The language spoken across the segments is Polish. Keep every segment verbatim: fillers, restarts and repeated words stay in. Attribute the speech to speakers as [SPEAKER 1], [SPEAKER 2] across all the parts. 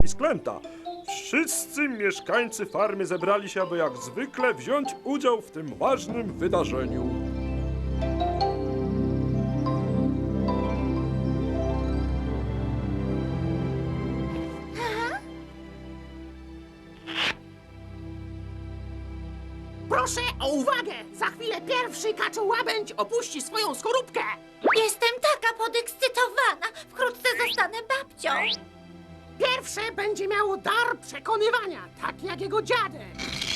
[SPEAKER 1] Sklęta. Wszyscy mieszkańcy farmy zebrali się, aby jak zwykle wziąć udział w tym ważnym wydarzeniu.
[SPEAKER 2] Proszę o uwagę! Za chwilę pierwszy kaczołabędź opuści swoją skorupkę!
[SPEAKER 3] Jestem taka podekscytowana. Wkrótce zostanę babcią.
[SPEAKER 2] Pierwsze będzie miało dar przekonywania, tak jak jego dziadek.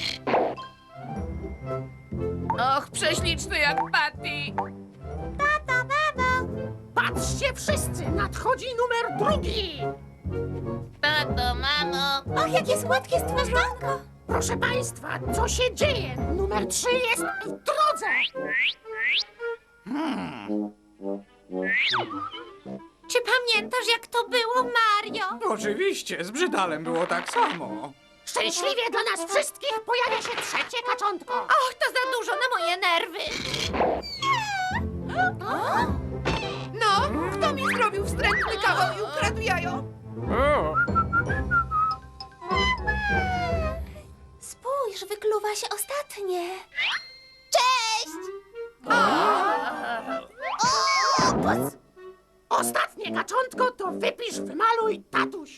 [SPEAKER 4] Och, prześliczny jak Patty.
[SPEAKER 3] Tato, mamo.
[SPEAKER 2] Patrzcie wszyscy, nadchodzi numer drugi!
[SPEAKER 4] Tato, mamo.
[SPEAKER 3] Och, jakie słodkie stworzonko.
[SPEAKER 2] Proszę państwa, co się dzieje? Numer trzy jest w drodze!
[SPEAKER 3] Czy pamiętasz, jak to było, Mario?
[SPEAKER 5] Oczywiście, z Brzydalem było tak samo.
[SPEAKER 2] Szczęśliwie dla nas wszystkich pojawia się trzecie kaczątko!
[SPEAKER 3] Och, to za dużo na moje nerwy.
[SPEAKER 4] No, kto mi zrobił wstrętny kawał i ukradł jajo?
[SPEAKER 3] Spójrz, wykluwa się ostatnie. Cześć!
[SPEAKER 2] Ostatnie kaczątko to wypisz, wymaluj, tatuś!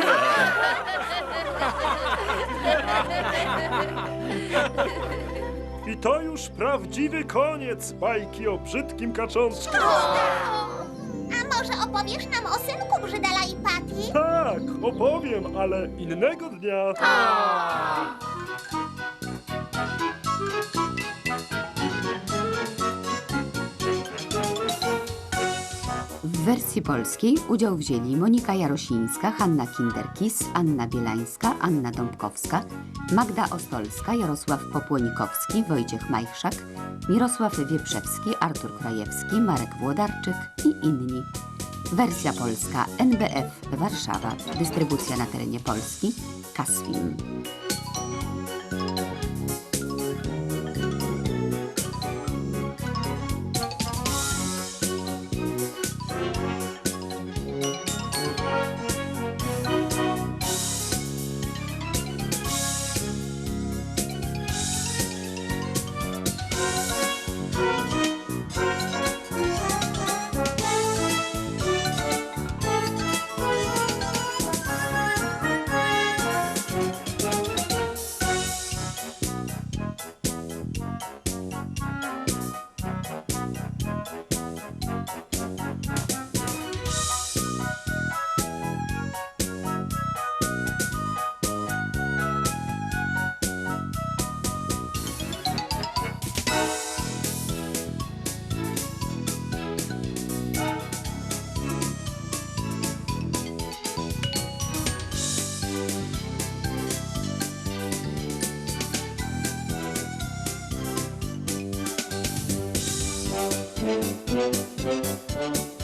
[SPEAKER 1] I to już prawdziwy koniec bajki o brzydkim kaczątku.
[SPEAKER 3] A może opowiesz nam o synku Brzydala i Patty?
[SPEAKER 1] Tak, opowiem, ale innego dnia.
[SPEAKER 6] W wersji polskiej udział wzięli Monika Jarosińska, Hanna Kinderkis, Anna Bielańska, Anna Dąbkowska, Magda Ostolska, Jarosław Popłonikowski, Wojciech Majchrzak, Mirosław Wieprzewski, Artur Krajewski, Marek Włodarczyk i inni. Wersja polska N B F Warszawa. Dystrybucja na terenie Polski Kasfilm.
[SPEAKER 3] Thank you.